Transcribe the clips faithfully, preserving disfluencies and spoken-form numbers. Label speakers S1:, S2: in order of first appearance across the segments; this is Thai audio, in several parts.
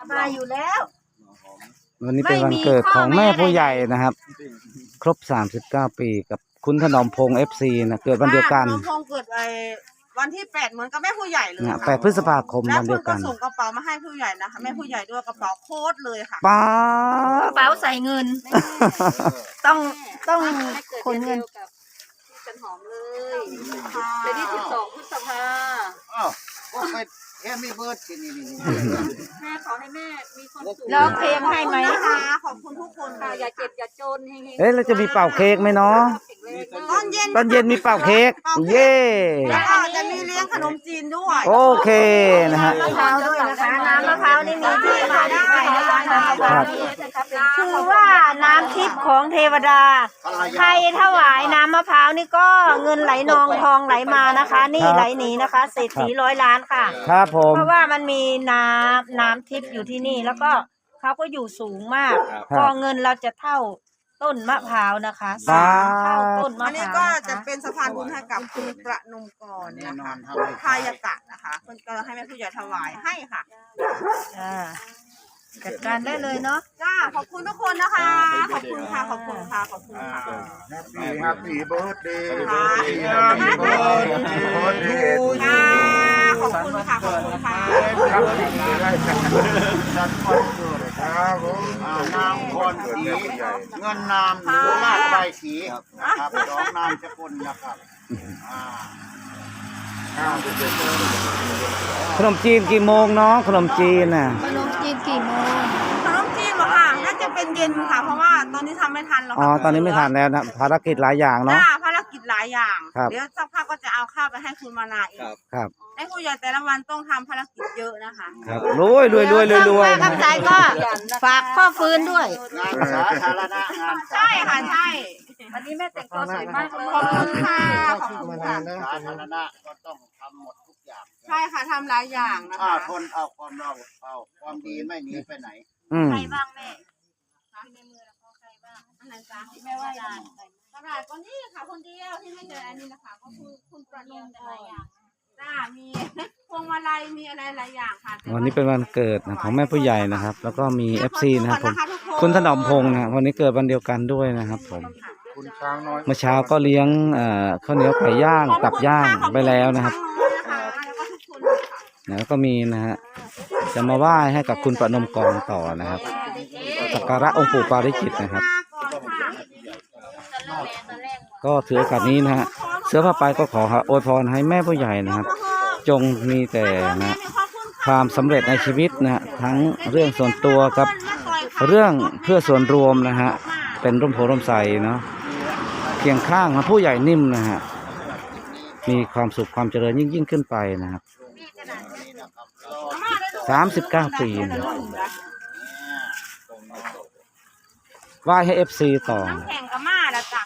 S1: มาอยู่แล้ว
S2: วันนี้เป็นวันเกิดของแม่ผู้ใหญ่นะครับ ครบสามสิบเก้าปีกับคุณถนอมพงษ์เอฟซีนะเกิดวันเดียวกัน
S1: ถนอมพงษ์เกิดไอ้วันที่แปดเหมือนกับแม่ผู้ใหญ่เลย
S2: นะแปดพฤษภาคมวันเดียวกัน
S1: แล้วคุณก็ส่งกระเป๋ามาให้ผู้ใหญ่นะคะแม่ผู้ใหญ่ด้วยกระเป๋าโค้ดเลยค่ะ
S2: ป้าก
S3: ระเป๋าใส่เงินต้องต้องขนเงิน
S4: กับพี่จันหอมเลยเดือนที่สิบสองพฤษภา
S5: อ้าวว่าไปแค่ไม่เบิร์ดที่นี่นี่
S4: แม่ขอให้แม่มีความสุข
S3: ร้องเพลงให้ไหม
S1: นะคะขอบคุณทุกคน
S4: ค่ะ
S1: ค่ะ
S4: อย่าเจ็บอย่าจนเฮงๆ
S2: เอ๊ะเราจะมีเป่าเค้กไหมเนาะ
S1: ตอนเย็น
S2: ตอนเย็นมีเป่าเค้กเย่
S1: แล้วก็จะมีเลี้ยงขนมจีนด้วย
S2: โอเคนะฮะ
S3: มะพร้าวด้วยนะคะน้ำมะพร้าวนี่มีที่มาที่ไปนะคะน้ำมะพร้าวนี่คือว่าน้ำทิพย์ของเทวดาใครถวายน้ำมะพร้าวนี่ก็เงินไหลนองทองไหลมานะคะ นี่ไหลหนีนะคะเศรษฐีร้อยล้านค่ะ
S2: ครับผม
S3: เพราะว่ามันมีน้ำน้ำทิพย์อยู่ที่นี่แล้วก็เขาก็อยู่สูงมากพอเงินเราจะเท่าต้นมะพร้าวนะคะสามเท่าต้นมะ
S1: อัน
S3: พ
S1: นี้
S3: ร้าว
S1: ก็
S3: นะ
S1: จะ
S3: คะ
S1: เป็นสะพานบุญให้กับคุณประนมกร
S5: แน่
S1: นะ
S5: นอ
S1: คะ
S5: นทำให้
S1: พายากะนะคะเพิ่นก็ให้แม่ผู้ใหญ่ถวายให้ค่ะ
S3: จ้าจัดการได้เลยเนาะ
S1: จ้าขอบคุณทุกคนนะคะ ขอบคุณค่ะ ขอบคุณค่ะ ขอบคุณค่ะ
S5: แฮปปี้แฮปปี้เบิร์ดเดย์
S1: ค่ะ
S5: แฮปปี้เบิร์ดเดย์
S1: ค่ะขอบคุณค่ะ ขอบคุณค่ะ
S5: ครับจัดคอนเสิร์ตครับผมนามพรศรีเงินนามหรือลาดใบสีนะครับสองนามสกุลนะครับอ่า
S2: ขนมจีนกี่โมงเนาะขนมจีนน่ะ
S3: ขนมจีนกี่โมง
S1: ขนมจีนเหรอค่ะ น่าจะเป็นเย็นค่ะ เพราะว่าตอนนี้ทำไม่ทันแล้ว
S2: อ๋อตอนนี้ไม่ทันแล้วนะภารกิจหลายอย่างเนาะ
S1: จ้าภารกิจหลายอย่าง
S2: ครับ
S1: เดี๋ยวสักพักก็จะเอาข้าวไปให้คุณมานาอีก
S2: ครับ
S1: ให้ผู้ใหญ่แต่ละวันต้องทำภารกิจเยอะนะคะ
S2: ครับรวยรวยรวยรวยรวย
S3: ป้าคำใจก็ฝากพ่อฟื้นด้วย
S5: งานสาธารณะงาน
S1: ใช่ค่ะ ใช่
S4: วันนี้แม่แต่งตัวสวยมากเลย
S1: ขอบคุณค่ะ ขอบคุณค่ะ
S5: สาธารณะก็ต้องทำหมดทุกอย่าง
S1: ใช่ค่ะทำหลายอย่างนะ
S5: ถ้า
S1: คะ
S5: คนเอาความเราเอาความดีไม่หนีไปไหน
S2: อืม
S3: ใครบ้างแม่
S1: ในมือแล้วก็ใครบ้างอันไหนจ้าที่แม่ว่าได้กระดาษก็นี่ค่ะคนเดียวที่ไม่เจออันนี้นะคะก็คือคุณประนมหลายอย่างจ้ามีพวงมาลัยมีอะไรหลายอย่างค่ะ
S2: วันนี้เป็นวันเกิดนะของแม่ผู้ใหญ่นะครับ แล้วก็มีเอฟซีนะครับผมคุณถนอมพงษ์นะวันนี้เกิดวันเดียวกันด้วยนะครับผม
S5: คุณช้างน้อย
S2: เมื่อเช้าก็เลี้ยงเอ่อข้าวเหนียวไก่ย่างตับย่างไปแล้วนะครับ แล้วก็มีนะฮะจะมาไหว้ให้กับคุณประนมกรต่อนะครับสักการะองค์ปู่ปาริจิตนะครับ ก็ถือโอกาสนี้นะฮะเสื้อผ้าไปก็ขออวยพรให้แม่ผู้ใหญ่นะครับ จงมีแต่นะความสำเร็จในชีวิตนะฮะทั้งเรื่องส่วนตัวกับเรื่องเพื่อส่วนรวมนะฮะเป็นร่มโพร่มใสเนาะเคียงข้างนะผู้ใหญ่นิ่มนะฮะมีความสุขความเจริญยิ่งยิ่งขึ้นไปนะครับสามสิบเก้าปีนะไหว้ให้เอฟซีต่อ
S1: น้ำแข็งกับมาแล้วจ้ะ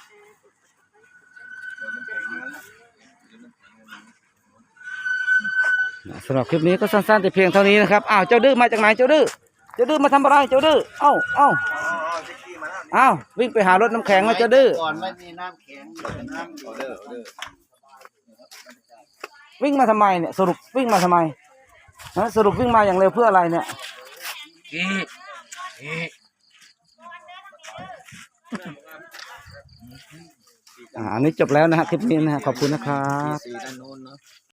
S2: สำหรับคลิปนี้ก็สั้นๆแต่เพียงเท่านี้นะครับอ้าวเจ้าดื้อมาจากไหนเจ้าดื้อเจ้าดื้อมาทำอะไรเจ้าดื้อเอ้าเอ้าเอ้าวิ่งไปหารถน้ำแข็งมาเจ้าดื้อ
S5: ก่อนไม่มีน้ำแข็งน้ำเดือดเดือด
S2: วิ่งมาทำไมเนี่ยสรุปวิ่งมาทำไมฮะสรุปวิ่งมาอย่างเร็วเพื่ออะไรเนี่ยอ่าอันนี้จบแล้วนะฮะคลิปนี้นะฮะขอบคุณนะครับ